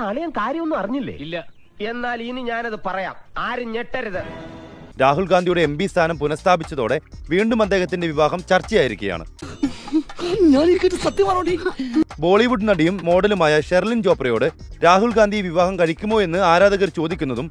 അളിയൻ കാര്യമൊന്നും അറിഞ്ഞില്ലേ? ഇല്ല. എന്നാൽ ഇനി ഞാനത് പറയാം, ആരും ഞെട്ടരുത്. രാഹുൽ ഗാന്ധിയുടെ MP സ്ഥാനം പുനഃസ്ഥാപിച്ചതോടെ വീണ്ടും അദ്ദേഹത്തിന്റെ വിവാഹം ചർച്ചയായിരിക്കുകയാണ്. ബോളിവുഡ് നടിയും മോഡലുമായ ഷെർലിൻ ചോപ്രയോട് രാഹുൽ ഗാന്ധി വിവാഹം കഴിക്കുമോ എന്ന് ആരാധകർ ചോദിക്കുന്നതും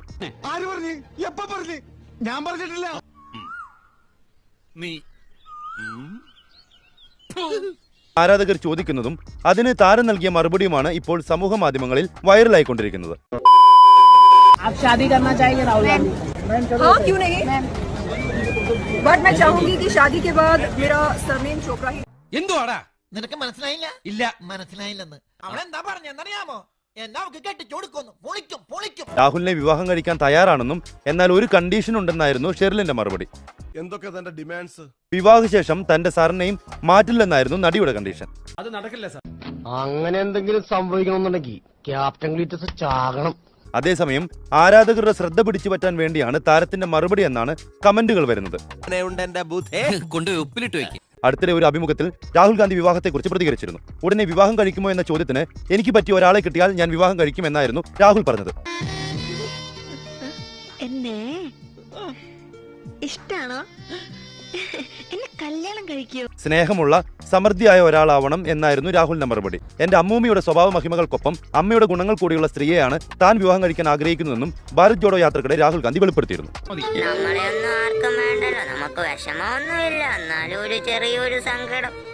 അതിന് താരം നൽകിയ മറുപടിയുമാണ് ഇപ്പോൾ സമൂഹ മാധ്യമങ്ങളിൽ വൈറലായിക്കൊണ്ടിരിക്കുന്നത്. आप शादी करना चाहिए राहुल गांधी? हाँ, क्यों नहीं? बट मैं चाहूंगी कि शादी के बाद मेरा सरनेम चोपड़ा ही. എന്തുവാടാ നിനക്ക് മനസ്സിലായില്ല? ഇല്ല. മനസ്സിലായില്ലെന്ന് അവളെന്താ പറഞ്ഞെന്നറിയാമോ? എന്നാ അവക്ക് കെട്ടിച്ചോടുക്കുന്നു, പൊളിക്കും പൊളിക്കും. രാഹുലിനെ വിവാഹം കഴിക്കാൻ തയ്യാറാണെന്നും എന്നാൽ ഒരു കണ്ടീഷൻ ഉണ്ടെന്നായിരുന്നു ഷെർലിന്റെ മറുപടി. എന്തൊക്കെ തന്റെ ഡിമാൻഡ്സ്? വിവാഹശേഷം തന്റെ സർനെയിം മാറ്റില്ലെന്നായിരുന്നു നടിയുടെ കണ്ടീഷൻ. അത് നടക്കില്ല സാർ. അങ്ങനെ എന്തെങ്കിലും സംഭവിക്കണമെന്നുണ്ടെങ്കിൽ ക്യാപ്റ്റൻ ഗ്ലീറ്റസ് ചാകണം. അതേസമയം ആരാധകരുടെ ശ്രദ്ധ പിടിച്ചു പറ്റാൻ വേണ്ടിയാണ് താരത്തിന്റെ മറുപടി എന്നാണ് കമന്റുകൾ വരുന്നത്. അടുത്തിടെ ഒരു അഭിമുഖത്തിൽ രാഹുൽ ഗാന്ധി വിവാഹത്തെക്കുറിച്ച് പ്രതികരിച്ചിരുന്നു. ഉടനെ വിവാഹം കഴിക്കുമോ എന്ന ചോദ്യത്തിന് എനിക്ക് പറ്റിയ ഒരാളെ കിട്ടിയാൽ ഞാൻ വിവാഹം കഴിക്കും എന്നായിരുന്നു രാഹുൽ പറഞ്ഞത്. എന്നെ ഇഷ്ടാണോ? എന്നെ കല്യാണം കഴിക്കൂ. സ്നേഹമുള്ള സമൃദ്ധിയായ ഒരാളാവണം എന്നായിരുന്നു രാഹുലിന്റെ മറുപടി. എന്റെ അമ്മൂമ്മയുടെ സ്വഭാവ മഹിമകൾക്കൊപ്പം അമ്മയുടെ ഗുണങ്ങൾ കൂടിയുള്ള സ്ത്രീയെയാണ് താൻ വിവാഹം കഴിക്കാൻ ആഗ്രഹിക്കുന്നതെന്നും ഭാരത് ജോഡോ യാത്രക്കിടെ രാഹുൽ ഗാന്ധി വെളിപ്പെടുത്തിയിരുന്നു. നമ്മളെയൊന്നും ആർക്കും വേണ്ടല്ലോ, നമുക്ക് വിഷമമൊന്നുമില്ല, എന്നാലും ഒരു ചെറിയൊരു സങ്കടം.